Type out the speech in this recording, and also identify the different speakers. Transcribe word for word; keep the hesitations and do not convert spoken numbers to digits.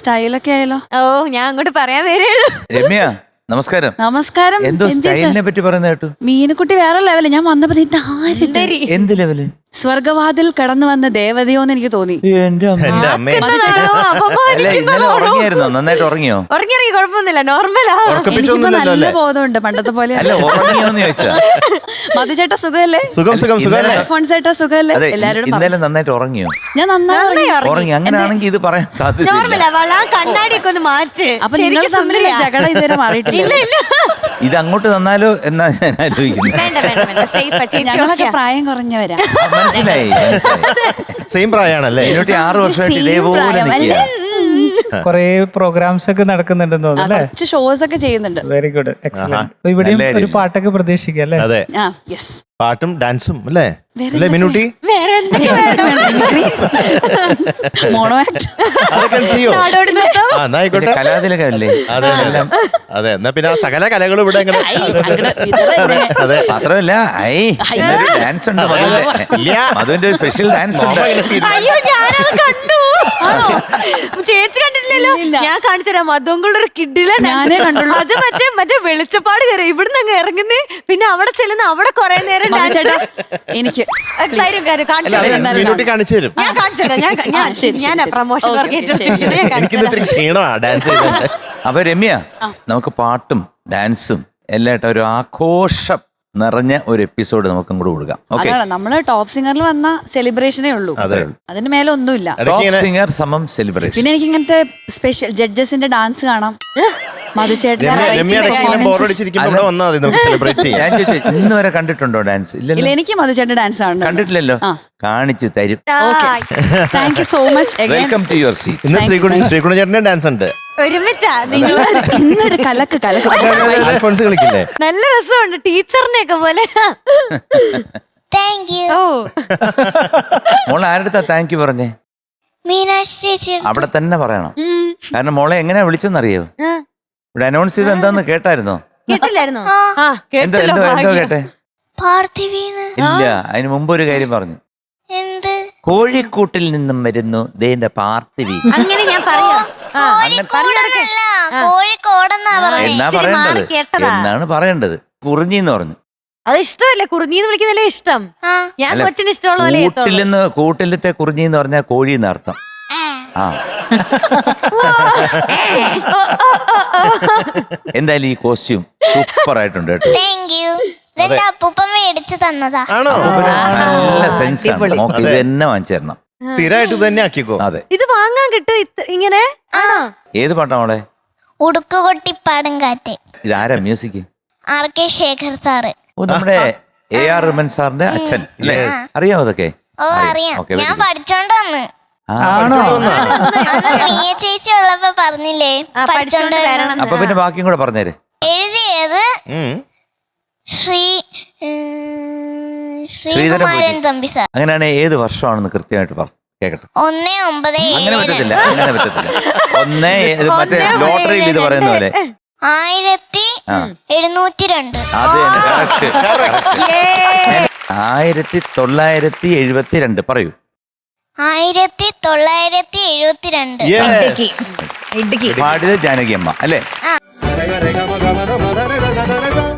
Speaker 1: സ്റ്റൈലൊക്കെ ആയാലോ?
Speaker 2: ഓ ഞാൻ അങ്ങോട്ട് പറയാൻ വരേളൂ.
Speaker 3: രമ്യ നമസ്കാരം.
Speaker 1: നമസ്കാരം.
Speaker 3: എന്തോ സ്റ്റൈലിനെ പറ്റി പറയുന്ന കേട്ടു.
Speaker 1: മീനുക്കുട്ടി വേറെ ലെവല്. ഞാൻ വന്നപ്പോ
Speaker 3: എന്ത് ലെവല്?
Speaker 1: സ്വർഗവാതിൽ കടന്നു വന്ന ദേവതയോന്ന് എനിക്ക് തോന്നി.
Speaker 3: എന്റെ അമ്മ അല്ല ഇന്നലെ ഉറങ്ങിയായിരുന്നോ? നന്നായിട്ട് ഉറങ്ങിയോ?
Speaker 2: ഉറങ്ങി ഇറങ്ങി കുഴപ്പമൊന്നുമില്ല, നോർമലാ.
Speaker 1: എനിക്കിപ്പോ നല്ല ബോധമുണ്ട് പണ്ടത്തെ പോലെ.
Speaker 3: അല്ല ഉറങ്ങിയോന്ന് ചോദിച്ചാ.
Speaker 1: മധുചേട്ടാ സുഖല്ലേ?
Speaker 4: സുഖം സുഖം സുഖം.
Speaker 1: ഫോൺസേട്ടാ സുഖല്ലേ? എല്ലാരോടും
Speaker 3: ഇന്നലെ നന്നായിട്ട് ഉറങ്ങിയോ?
Speaker 1: ഞാൻ നന്നായി
Speaker 3: ഉറങ്ങി. അങ്ങനെയാണെങ്കിൽ ഇത് പറയാൻ സാധ്യത.
Speaker 2: കണ്ണാടിയൊക്കെ ഒന്ന് മാറ്റ്.
Speaker 1: അപ്പൊ നിങ്ങൾ തമ്മിൽ ജഗട ഇതുവരെ മാറിയിട്ടില്ല.
Speaker 3: ഇത് അങ്ങോട്ട് തന്നാലോ എന്നാ ഞാൻ ആലോചിക്കുന്നത്.
Speaker 1: ഞങ്ങളൊക്കെ പ്രായം കുറഞ്ഞവരാ.
Speaker 3: മനസ്സിലായി.
Speaker 4: സെയിം പ്രായമാണല്ലേ?
Speaker 3: ഇതിനോട്ട് ആറ് വർഷമായിട്ട് ഇതേപോലെ
Speaker 5: കൊറേ പ്രോഗ്രാംസ് ഒക്കെ നടക്കുന്നുണ്ടെന്ന് തോന്നുന്നു.
Speaker 1: കുറച്ച് ഷോസ് ഒക്കെ ചെയ്യുന്നുണ്ട്.
Speaker 5: Very good, excellent. ഇവിടെയും ഒരു പാട്ടൊക്കെ പ്രതീക്ഷിക്കാം അല്ലേ?
Speaker 4: അതെ, പാട്ടും ഡാൻസും അല്ലേ അല്ലേ മിനുട്ടി?
Speaker 1: മോണോ ആക്ട്
Speaker 4: ആയിക്കോട്ടെ,
Speaker 3: കലാതിലകല്ലേ?
Speaker 4: അതെ അതെ. എന്നാ പിന്നെ ആ സകല കലകളും ഇവിടെ അതെ.
Speaker 3: മാത്രമല്ല ഐ ഡാൻസ് ഉണ്ട്, മധുവിന്റെ സ്പെഷ്യൽ ഡാൻസ് ഉണ്ട്.
Speaker 2: ചേച്ചി കണ്ടിട്ടില്ലല്ലോ? ഞാൻ കാണിച്ചുതരാം. മധുങ്കളുടെ ഒരു കിഡിലെ
Speaker 1: ഞാനേ കണ്ടുള്ളൂ.
Speaker 2: അത് മറ്റേ മറ്റേ വെളിച്ചപ്പാട് കയറി ഇവിടുന്ന് അങ്ങ് ഇറങ്ങുന്നേ, പിന്നെ അവിടെ ചെല്ലുന്ന അവിടെ കൊറേ നേരം
Speaker 1: എനിക്ക്
Speaker 4: മിനുട്ടി കാണിച്ചു തരും.
Speaker 2: ഞാൻ കാണിച്ചുതരാം. ഞാൻ പ്രമോഷൻ
Speaker 4: എനിക്കിന്ന് ക്ഷീണമാ ഡാൻസ് ചെയ്തിട്ട്.
Speaker 3: അപ്പൊ രമ്യ, നമുക്ക് പാട്ടും ഡാൻസും എല്ലാം ഒരു ആഘോഷം നിറഞ്ഞ ഒരു എപ്പിസോഡ് നമുക്ക് അങ്ങോട്ട് കൊടുക്കാം.
Speaker 1: അതാണ് നമ്മള് ടോപ്പ് സിംഗറിൽ വന്ന സെലിബ്രേഷനേ ഉള്ളൂ, അതിന് മേലെ ഒന്നുമില്ല.
Speaker 3: ടോപ്പ് സിംഗർ സമം സെലിബ്രേഷൻ.
Speaker 1: പിന്നെ എനിക്ക് ഇങ്ങനത്തെ സ്പെഷ്യൽ ജഡ്ജസിന്റെ ഡാൻസ് കാണാം.
Speaker 3: ഇന്ന് വരെ കണ്ടിട്ടുണ്ടോ ഡാൻസ്?
Speaker 1: ഇല്ല, എനിക്ക് മധുചേട്ടന്റെ ഡാൻസ് ആണ്
Speaker 3: കണ്ടിട്ടില്ലല്ലോ. കാണിച്ചു തരും.
Speaker 1: Thank you so much.
Speaker 3: Welcome to your seat.
Speaker 4: ഇന്ന് ശ്രീകുണ ശ്രീകുണ ചേട്ടന്റെ ഡാൻസ് ഉണ്ട്.
Speaker 1: ഇന്നൊരു കലക്ക് കലക്ക്
Speaker 4: അൽഫോൺസ് കളിക്കില്ലേ?
Speaker 2: നല്ല രസമുണ്ട്, ടീച്ചറിനെ ഒക്കെ പോലെ.
Speaker 3: മോളെ ആരുടെ താങ്ക് യു പറഞ്ഞേ? അവിടെ തന്നെ പറയണം. കാരണം മോളെ എങ്ങനെയാ വിളിച്ചെന്നറിയോ? ഇവിടെ അനൗൺസ് ചെയ്ത് എന്താന്ന് കേട്ടായിരുന്നോ?
Speaker 2: കേട്ടില്ലായിരുന്നോ?
Speaker 3: എന്തോ എന്തോ എന്തോ കേട്ടെ? ഇല്ല, അതിന് മുമ്പ് ഒരു കാര്യം പറഞ്ഞു. കോഴിക്കൂട്ടിൽ നിന്നും വരുന്നു ദേന്റെ പാർത്ഥിവി.
Speaker 2: അങ്ങനെ ഞാൻ പറയാം.
Speaker 3: എന്നാ പറയേണ്ടത്? എന്നാണ് പറയേണ്ടത്? കുറിഞ്ഞിന്ന് പറഞ്ഞു.
Speaker 2: അത് ഇഷ്ടമല്ലേ? കുറിഞ്ഞിന്ന് വിളിക്കുന്നല്ലേ ഇഷ്ടം. ഞാൻ കൊച്ചിന് ഇഷ്ടമുള്ള
Speaker 3: കൂട്ടിൽ നിന്ന് കൂട്ടിലത്തെ കുറിഞ്ഞിന്ന് പറഞ്ഞാൽ കോഴി എന്നർത്ഥം. ആ എന്തായാലും ഈ കോസ്റ്റ്യൂം സൂപ്പർ ആയിട്ടുണ്ട് കേട്ടോ. നല്ല സെൻസ് ആണ്. നോക്കി ഇത് തന്നെ വാങ്ങിച്ചു തരണം.
Speaker 4: സ്ഥിരമായിട്ട് തന്നെ ആക്കിക്കോ.
Speaker 3: അതെ,
Speaker 2: ഇത് വാങ്ങാൻ കിട്ടും ഇങ്ങനെ.
Speaker 3: ഏത് പാട്ടാ മോളെ?
Speaker 6: ഉടുക്കുകൊട്ടിപ്പാടും കാറ്റ്.
Speaker 3: ഇതാരാ music?
Speaker 6: R K Shekhar sir.
Speaker 3: ഓ, നമ്മുടെ എ ആർ റഹ്മാൻ സാറിന്റെ അച്ഛൻ അല്ലേ? അറിയാവോ അതൊക്കെ?
Speaker 6: ഓ അറിയാം, ഞാൻ പഠിച്ചോണ്ട് വന്ന്. ചേച്ചി ഉള്ളപ്പോ പറഞ്ഞില്ലേ പഠിച്ചോണ്ട് വരണം.
Speaker 3: അപ്പൊ പിന്നെ ബാക്കിയും കൂടെ പറഞ്ഞേര്.
Speaker 6: എഴുതിയത് ശ്രീ ശ്രീകുമാരൻ തമ്പി സാർ.
Speaker 3: അങ്ങനെയാണ്. ഏത് വർഷമാണെന്ന് കൃത്യമായിട്ട് പറഞ്ഞു കേക്കട്ടെ.
Speaker 6: ഒന്നേ ഒമ്പത്
Speaker 3: അങ്ങനെ പറ്റത്തില്ല, അങ്ങനെ പറ്റത്തില്ല. ഒന്നേ മറ്റേ ലോട്ടറിയിൽ ഇത് പറയുന്ന പോലെ
Speaker 6: ആയിരത്തി എഴുന്നൂറ്റി രണ്ട്.
Speaker 3: അത് തന്നെ, കറക്റ്റ്. ആയിരത്തി തൊള്ളായിരത്തി എഴുപത്തി രണ്ട്. പറയൂ.
Speaker 6: ആയിരത്തി തൊള്ളായിരത്തി എഴുപത്തി രണ്ട്.
Speaker 3: പാടിയത് ജാനകി അമ്മ അല്ലേ?